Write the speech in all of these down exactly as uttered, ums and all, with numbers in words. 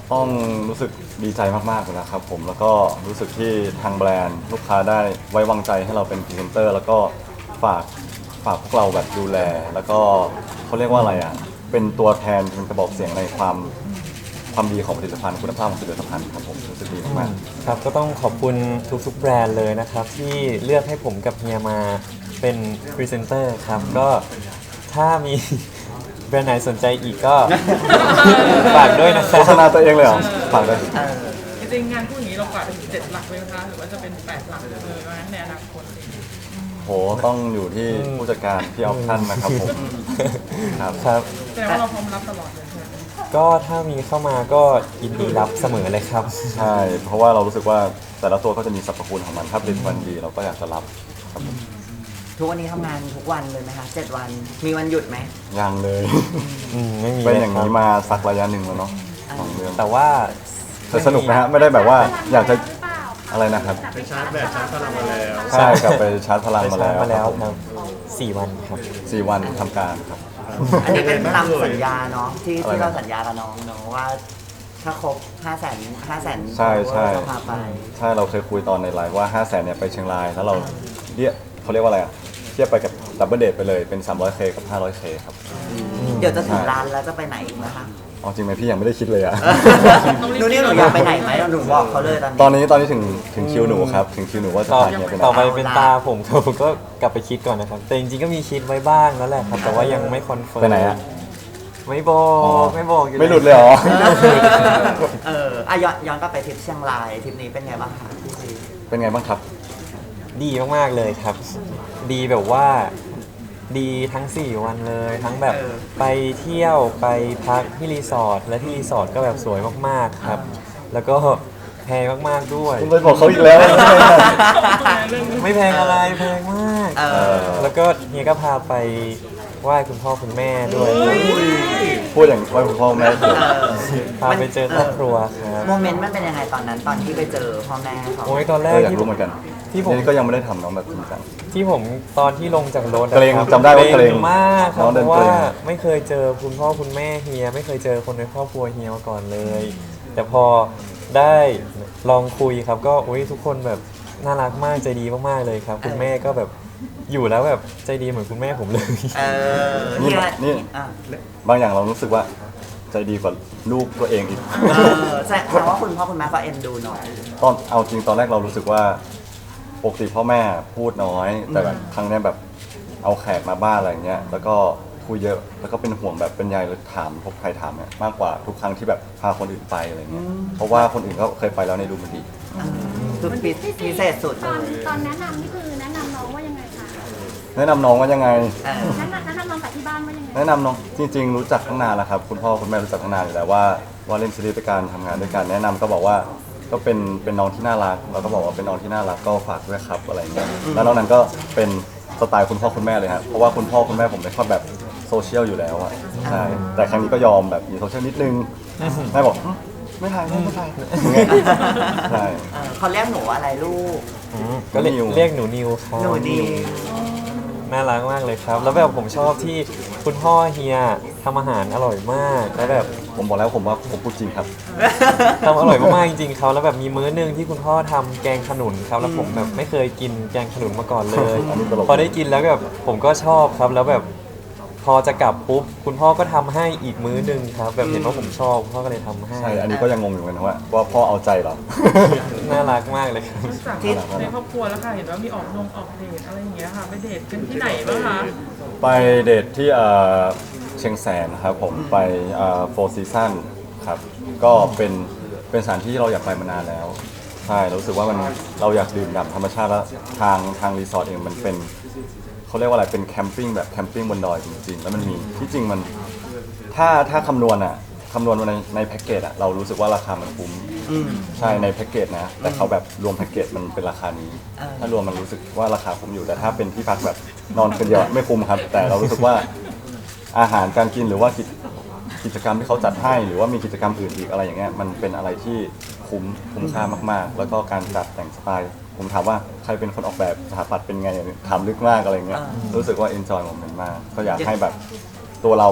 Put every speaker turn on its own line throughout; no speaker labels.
ต้องรู้สึกดีใจมากๆเลยนะครับผมแล้วก็รู้สึกที่ทางแบรนด์ลูกค้าได้ไว้วางใจให้เราเป็นพรีเซนเตอร์แล้วก็ฝากฝากพวกเราแบบดูแล แล้วก็เขาเรียกว่าอะไรอ่ะเป็นตัวแทนเป็นกระบอกเสียงในความความดีของผลิตภัณฑ์คุณภาพของผลิตภัณฑ์ครับผมรู้สึกดีมากๆ
ครับก็ต้องขอบคุณทุกๆแบรนด์เลยนะครับที่เลือกให้ผมกับเฮียมาเป็นพรีเซนเตอร์ครับก็ถ้ามี แบรนด์ไหนสนใจอีกก็ ฝากด้วยนะครั
โฆ
บ
ษณาตัวเองเลยเหรอฝากเลย
จริงๆงานพูดอย่างนี้เราฝากถึงเจ็ดหลักเลยนะคะหรือว่าจะเป็นแปดหลักเลยไหมในอนาคต
โหต้องอยู่ที่ผู้จัดการที่ออปชั่นนะครับผมครับ
ครับ
แสดงว่าเราพร้อมรับตลอดเลยใช่ไหม
ก็ถ้ามีเข้ามาก็ยินดีรับเสมอเลยครับ
ใช่เพราะว่าเรารู้สึกว่าแต่ละตัวก็จะมีสรรพคุณของมันถ้าผลิตภัณฑ์ดีเราก็อยากจะรับครับผม
ทุกวันนี้ทำงานทุกวันเลยไหมคะเจ็ดวันมีวันหยุดไหม
ยังเลย
อืมไม่มี
เป็น
เลย
อย่าง
ครับ
นี้มาสักระยะหนึ่งแล้วเนาะสองเดือน
แต่ว่า
แต่สนุกนะฮะไม่ได้แบบว่าอยากจะอะไรนะครับ
ไปชาร์จแบตชาร์จพลังมาแล้ว
ใช่กลับไปชาร์จพลัง
ไป
มา
ชา
แล้
ร์จ
ว
มาแล้ว
ครับผม
ครับสี่วันครับ
สี่วันทำการครับ
อันนี้เป็นตามสัญญาเนาะที่
อะไรนะ
ที่เราสัญญากับน้องเนาะว่า ถ้าครบห้าแสนห้าแสน
ใช่ใช่
จะพาไป
ใช่เราเคยคุยตอนในไลน์ว่าห้าแสนเนี่ยไปเชียงรายแล้วเราเรียกเขาเรียกว่าอะไรอะเทียบไปกับดับเบิลเดทไปเลยเป็น สามร้อยเค กับ ห้าร้อยเค ครับ
เดี๋ยวจะถึงร้านแล้วจะไปไหนอีกนะคะ
เอาจริงไหมพี่ยังไม่ได้คิดเลยอะ
หนูนี่หนูอยากไปไหนไหมหนูบอกเขาเลยตอนนี้
ตอนนี้ตอนนี้ถึงถึงคิวหนูครับ ถึงคิวหนูว่าจะ
ต่อ
พาเฮียไปไหน
ต่อไปเป็นตาผมครับผมก็กลับไปคิดก่อนนะครับ แต่จริงๆก็มีคิดไว้บ้างแล้วแหละครับ แต่ว่ายังไม่คอนเฟิร์ม
ไปไหนอะ
ไม่บอ
อ๋อ
กไม่บอกอยู่
ไม่หลุดเลยเหรอ
เอออ่ะย้อนย้อนกลับไปทริปเชียงรายทริปนี้เป็นไงบ้างคะพี่ซี
เป็นไงบ้างครับ
ดีมากๆเลยครับ ดีแบบว่าดีทั้งสี่วันเลย ทั้งแบบไปเที่ยวไปพักที่รีสอร์ทและที่รีสอร์ทก็แบบสวยมากๆครับ แล้วก็แพงมากๆด้วย
คุณไปบอกเขาอีกแล้ว
ไม่แพงอะไรแพงมาก
เออ
แล้วก็เฮียก็พาไปไหว้คุณพ่อคุณแม่ด้วย
พูดอย่างว่าคุณพ่อแม่เกิด
เออ
พาไปเจอครอบครัวครับ
โมเมนต์มันเป็นยังไงตอนนั้นตอนที่ไปเจอพ่อแม่เขา
โอ้ยตอนแร
เอก ออยาก
ที่
รู้เหมือนกัน
ที่ผม
นี่ก็ยังไม่ได้ทำน้องแบบจริงจัง
ที่ผมตอนที่ลงจากรถอะ
เกรง
ครับ
จำได้ว่าเกรง
มากครั
น้
บ
อง
เพ
เดิน
ราะ
เกร
ว่าง ไม่เคยเจอคุณพ่อคุณแม่เฮียไม่เคยเจอคนในครอบครัวเฮียมาก่อนเลย แต่พอได้ลองคุยครับก็อุ้ยทุกคนแบบน่ารักมากใจดีมากๆเลยครับ คุณแม่ก็แบบอยู่แล้วแบบใจดีเหมือนคุณแม่ผมเลย
เออ
นี่
เฮีย
นี่
อ่ะ
บางอย่างเรารู้สึกว่าใจดีกว่าลูกตัวเองอีก
เออแสดงว่าคุณพ่อคุณแม่ก็เอ็นดูหน่อย
ตอนเอาจริงตอนแรกเรารู้สึกว่าปกติพ่อแม่พูดน้อย แต่แบบครั้งเนี้ยแบบเอาแขกมาบ้านอะไรเงี้ยแล้วก็คุยเยอะแล้วก็เป็นห่วงแบบเป็นใยเลยถามพบใครถามเนี่ยมากกว่าทุกครั้งที่แบบพาคนอื่นไปอะไรเงี้ยเพราะว่าคนอื่นก็เคยไปแล้วในดูมันดี
คือพิพิเศษสุด
ต
เล
อน
ย
ตอนแนะนำนี่คือแนะนำน้องว่ายังไงคะ
แนะนำน้องว่ายังไง
เออ
แนะนำแนะนำน้องจากที่บ้านว่ายังไง
แนะนำน้องจริงๆรู้จักตั้งนานแล้วครับคุณพ่อคุณแม่รู้จักตั้งนานอยู่แล้วว่าว่าเล่นซีรีส์ด้วยกันทำงานด้วยกันแนะนำก็บอกว่าก็เป็นเป็นน้องที่น่ารักเราก็บอกว่าเป็นน้องที่น่ารักก็ฝากด้วยครับอะไรอย่างเงี้ยแล้วนอกนั้นก็เป็นสไตล์คุณพ่อคุณแม่เลยครับเพราะว่าคุณพ่อคุณแม่ผมไม่ค่อยแบบโซเชียลอยู่แล้วอ่ะใช่แต่ครั้งนี้ก็ยอมแบบมีโซเชียลนิดนึงแม่บอกหึไม่ถ่ายไม่ถ่ายอย่างเงี้ยใช่
เออเขาเรียกหนูอะไรลูก
อืมก็เรียก
นิว
เรียกหนูนิวครับ
หนูดี
น่ารักมากเลยครับ แล้วแบบผมชอบที่คุณพ่อเฮียทำอาหารอร่อยมากแล้วแบบ
ผมบอกแล้วผมว่าผมพูดจริงครับ
ทำอร่อยมากๆจริงๆเขาแล้วแบบมีมื้อหนึงที่คุณพ่อทำแกงขนุนครับแล้วผมแบบไม่เคยกินแกงขนุนมาก่อนเลย
อันนี้ตลก
พอได้กินแล้วแบบผมก็ชอบครับแล้วแบบพอจะกลับปุ๊บคุณพ่อก็ทำให้อีกมื้อหนึงครับ แบบเห็นว่าผมชอบคุณพ่อก็เลยทำให้
ใช่อันนี้ก็ยังงงอยู่เหมือนกันว่าว่าพ่อเอาใจเหรอ
น่ารักมากเลยครับ
จากในครอบครัวแล้วค่ะเห็นว่ามีออกนงออกเดทอะไรอย่างเงี้ยค่ะไปเดทกันที่ไหนบ้างคะ
ไปเดทที่เอ่อเชียงแสนครับผมไปโฟร์ซีซันครับก็เป็นเป็นสถานที่ที่เราอยากไปมานานแล้วใช่เรารู้สึกว่ามันเราอยากดื่มด่ำธรรมชาติแล้วทางทางรีสอร์ทเองมันเป็นเขาเรียกว่าอะไรเป็นแคมปิ้งแบบแคมปิ้งบนดอยจริงๆแล้วมันมีที่จริงมันถ้าถ้าคำนวณอ่ะคำนวณในในแพ็กเกจอ่ะเรารู้สึกว่าราคามันคุ้ม
อืม
ใช่ในแพ็กเกจนะแต่เขาแบบรวมแพ็กเกจมันเป็นราคานี้
เออ
ถ้ารวมมันรู้สึกว่าราคาคุ้มอยู่แต่ถ้าเป็นที่พักแบบนอนคนเดียวไม่คุ้มครับ แต่เรารู้สึกว่าอาหารการกินหรือว่ากิจกิจกรรมที่เขาจัดให้หรือว่ามีกิจกรรมอื่นอีกอะไรอย่างเงี้ยมันเป็นอะไรที่คุ้มคุ้มค่ามากๆ แล้วก็การจัดแต่งสไตล์ผมถามว่าใครเป็นคนออกแบบสถาปัตย์เป็นไงถามลึกมากอะไรเงี้ยรู้สึกว่าเอนจอยโมเมนต์มากก็อยากให้แบบตัวเราแบบ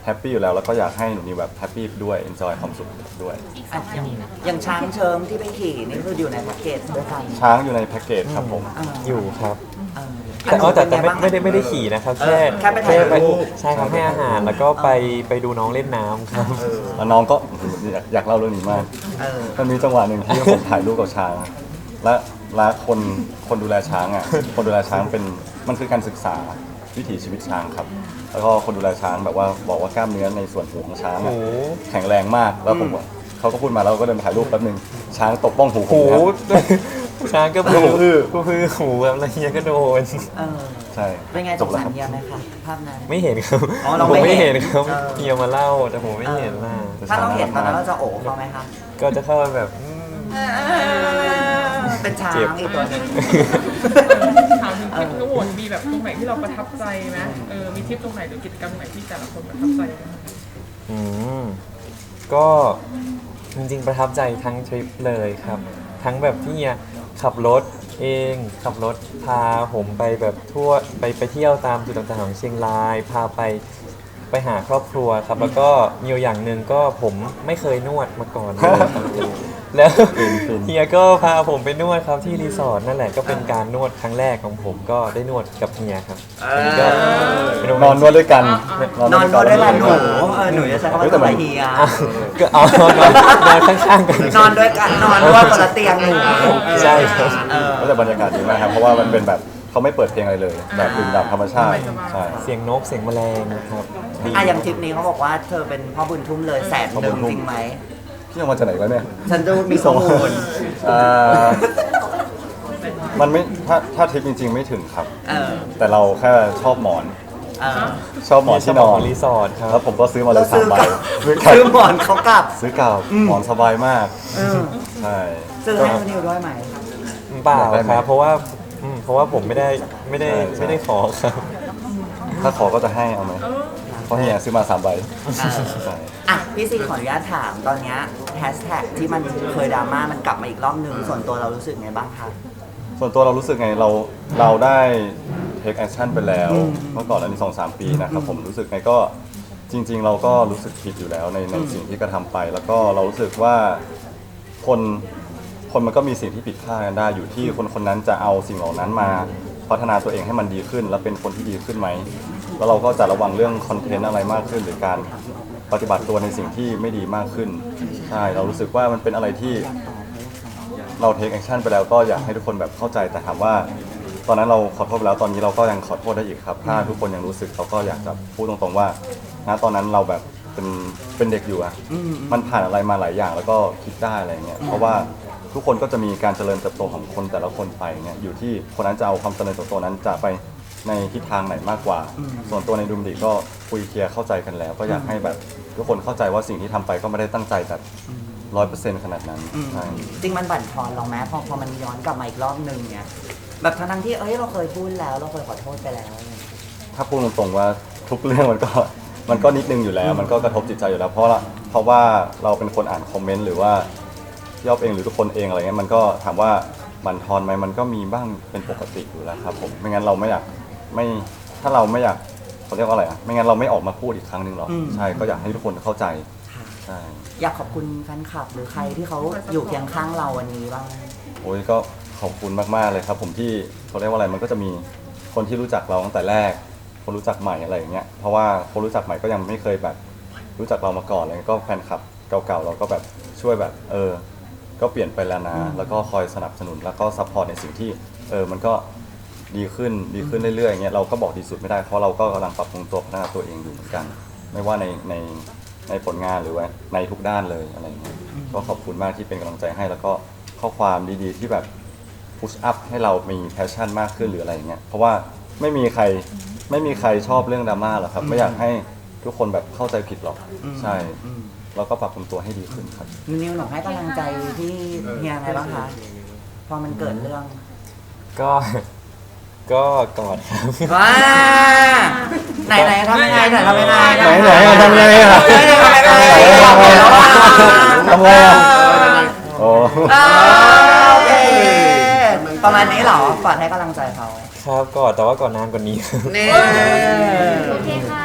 แฮปปี้อยู่แล้วแล้วก็อยากให้หนูนิวแบบแฮปปี้ด้วยเอนจอยความสุขด้วย
อ่ะอย่างอย่างช้างเชิงที่ไปขี่นี่คืออยู่ในแพ็กเกจด้วยกัน
ช้างอยู่ในแพ็กเกจครับผม
อ่า
อยู่ครับ
เออ
แต่อ๋อแต่แต่ไม่
เป็นงบ้าง
ไม่ได้ไม่ได้ขี่นะครับ
เอ
แค่
อแค่ไปถ่ายรูป
ใช่ครับให้อาหารแล้วก็ไปไปดูน้องเล่นน้ำครับ
แล้วน้องก็อยากอยากเล่าเรื่องนี้มาก
เออ
มันมีจังหวะหนึ่งที่ผมถ่ายรูปกับช้าง และและคนคนดูแลช้างอ่ะ คนดูแลช้างเป็นมันคือการศึกษาวิถีชีวิตช้างครับ แล้วก็คนดูแลช้างแบบว่าบอกว่ากล้ามเนื้อในส่วนหูของช้างอะ
โอ้โห
แข็งแรงมากแล้วผมว่าเขาก็พูดมาแล้วก็เดินไปถ่ายรูปแป๊บนึงช้างตบบ้องหูผ
หู
มนะครับ
ช้างก็
แล้วผมอื้อ
ก็คือหูแบบละเฮียก็โดน
เออ
ใช่
เป็นไง
จ
ส
บ
ง
แล้ว
สาร
ครับ
เฮียไหมคะภาพนั้น
ไม่เห็นครับ
อ๋อเรา
ผม
ไม่
ไม่
เห็
เห็
น
นครับ
เออ
เฮียมาเล่าแต่ผมไม่เห็นนะ
ถ้าเราเห็นตอนนั้นเราจะโอบเขาไหมคะ
ก็จะเข้าไปแบบอืม
เป็นช้าง
เจ็บ
อีกตัวหนึง
ถามถึงทริปทั้งหมดมีแบบตรงไหนที่เราประทับใจไหมเออมีทริปตรงไหนหรือกิจกรรมไหนที่แต่ละคนประทับใจไหม
อืมก็จริงๆประทับใจทั้งทริปเลยครับ ทั้งแบบที่เฮียขับรถเองขับรถพาผมไปแบบทั่วไปไปเที่ยวตามจุดต่างๆของเชียงราย พาไปไปหาครอบครัวครับ แล้วก็มีอยู่อย่างหนึ่งก็ผมไม่เคยนวดมาก่อนเลยครับ แล้ว
ฟินฟิน
เฮียก็พาผมไปนวดครับที่รีสอร์ทนั่นแหละก็เป็นการนวดครั้งแรกของผมก็ได้นวดกับเฮียครับอันนี้ก็เป็นโมเม
นอน
ต์
นวดด้วยกัน
นอนนวดด้วยกันหนู
ด้วย
เออหนูจะใช้คำว่า
เฮ้ย
ตั
แต่
ว
มัน
เฮีย
ก็เอานอนนอนนอนข้างๆกัน
นอนด้วยกันนอนนวดคนละเตียงหนู
ใช่ครับ
เออ
ก็แต่บรรยากาศดีมากครับเพราะว่ามันเป็นแบบเขาไม่เปิดเพลงอะไรเลย แบบดื่มด่ำธรรมชาติใช่
เสียงนกเสียงแมลงครับดี
อ่ะอย่างทริปนี้เขาบอกว่าเธอเป็นพ่อบุญทุ่มเลยแสนหนึ่งจริงไหม
พี่เอามาจากไหนวะเนี่ย
ฉันดูมีข้อมูล
อ่ามันไม่ถ้าถ้าทริปจริง ๆ ไม่ถึงครับ
เออ
แต่เราแค่ชอบหมอน
เออ
ชอบหมอนที่นอน
รีสอร์ทครั
แล้
บ
วผมก็ซื้อมาเลยสามใบ
ซื้อซื้อหมอนเขากลับ
ซื้อกลับหมอนสบายมาก
เออ
ใช่
ซื้อให้คุณนิวด้วยไหม
เปล่า
อยากได้ไหม
ครับ เพราะว่าอืมเพราะว่าผมไม่ได้ไม่ได้
ใช่ใช่
ไม่ได้ขอครับ
ถ้าขอก็จะให้เอาไหมเพราะเฮียซื้อมาสามใบ
เออ
ใช่
อ่ะพี่ซีขออนุญาตถามตอนเนี้ยแฮชแท็กที่มันเคยดราม่ามันกลับมาอีกรอบหนึ่งส่วนตัวเรารู้สึกไงบ้างคะ
ส่วนตัวเรารู้สึกไงเราเราได้ take action ไปแล้วเมื่อก่อนอันนี้สองสามปีนะครับผมรู้สึกไงก็จริง ๆ เราก็รู้สึกผิดอยู่แล้วในในสิ่งที่กระทำไป แล้วก็เรารู้สึกว่าคนคนมันก็มีสิ่งที่ผิดพลาดกันได้อยู่ที่คนคนนั้นจะเอาสิ่งเหล่านั้นมาพัฒนาตัวเองให้มันดีขึ้น และเป็นคนที่ดีขึ้นไหมแล้วเราก็จะระวังเรื่องคอนเทนต์อะไรมากขึ้น หรือการปฏิบัติตัวในสิ่งที่ไม่ดีมากขึ้นใช่เรารู้สึกว่ามันเป็นอะไรที่ เราเทคแอคชั่นไปแล้วก็อยากให้ทุกคนแบบเข้าใจแต่ถามว่า ตอนนั้นเราขอโทษไปแล้วตอนนี้เราก็ยังขอโทษได้อีกครับถ้าทุกคนยังรู้สึกเราก็อยากจะพูดตรงๆว่าณตอนนั้นเราแบบเป็นเป็นเด็กอยู่อะมันผ่านอะไรมาหลายอย่างแล้วก็คิดได้อะไรเงี้ยเพราะว่าทุกคนก็จะมีการเจริญเติบโตของคนแต่ละคนไปเนี่ยอยู่ที่คนนั้นจะเอาความเจริญเติบโตนั้นจะไปในทิศทางไหนมากกว่า ส่วนตัวในดุมดีก็คุยเคลียร์เข้าใจกันแล้ว ก็อยากให้แบบทุกคนเข้าใจว่าสิ่งที่ทำไปก็ไม่ได้ตั้งใจแบบร้อยเปอร์เซ็นต์ขนาดนั้นใช่
จริงมันบั่นทอนเราไหมพอพอมันย้อนกลับมาอีกรอบหนึ่งเนี่ยแบบทั้งๆที่เอ้ยเราเคยพูดแล้วเราเคยขอโทษไปแล้ว
ถ้าพูดตรงๆว่าทุกเรื่องมันก็ มันก็นิดนึงอยู่แล้ว มันก็กระทบจิตใจอยู่แล้ว เพราะละเพราะว่าเราเป็นคนอ่านคอมเมนต์หรือว่าพี่อ๊อฟเองหรือทุกคนเองอะไรเงี้ยมันก็ถามว่ามันทอนไหมมันก็มีบ้างเป็นปกติอยู่แล้วครับผมไม่งั้นเราไม่อยากไม่ถ้าเราไม่อยากเขาเรียกว่าอะไรอ่ะไม่งั้นเราไม่ออกมาพูดอีกครั้งหนึ่งหรอก
อืม
ใช่ก็อยากให้ทุกคนเข้าใจใช่
อยากขอบคุณแฟนคลับหรือใครที่เขาอยู่เคียงข้างเราวันนี้บ้าง
โอ้ยก็ขอบคุณมากๆเลยครับ ผมที่เขาเรียกว่าอะไรมันก็จะมีคนที่รู้จักเราตั้งแต่แรก คนรู้จักใหม่อะไรอย่างเงี้ยเพราะว่าคนรู้จักใหม่ก็ยังไม่เคยแบบรู้จักเรามาก่อนเลยก็แฟนคลับเก่าๆเราก็แบบช่วยแบบเออ ก็เปลี่ยนไปแล้วนะ แล้วก็คอยสนับสนุนแล้วก็ซัพพอร์ตในสิ่งที่เออมันก็ดีขึ้นดีขึ้นเรื่อยๆอย่างเงี้ยเราก็บอกดีสุดไม่ได้เพราะเราก็กำลังปรับปรุงตัวพัฒนาตัวเองอยู่เหมือนกัน ไม่ว่าในในในผลงานหรือว่าในทุกด้านเลยอะไรอย่างเงี้ยก็ขอบคุณมากที่เป็นกำลังใจให้แล้วก็ข้อความดีๆที่แบบพุชอัพให้เรามีแพชชั่นมากขึ้นหรืออะไรอย่างเงี้ยเพราะว่าไม่มีใครไม่มีใครชอบเรื่องดราม่าหรอกครับไม่อยากให้ทุกคนแบบเข้าใจผิดหรอกใช่เราก็ปรับปรุงตัวให้ดีขึ้นครับ
นิวหนูให้กำลังใจที่เฮียไงบ้างคะพอมันเกิดเรื่อง
ก็ ก็กอดครับ
ว้าไหนไหนทำยังไงไหนทำยังไง
ไหนไหนทำไงอะ
ทำยังไงทำยังไง
ทำไงอะโอ้
อ่าโอเคประมาณนี้เหรอฝากให้กำลังใจเขา
ครับกอดแต่ว่ากอดนานกว่านี้
นี่
โอเคค่ะ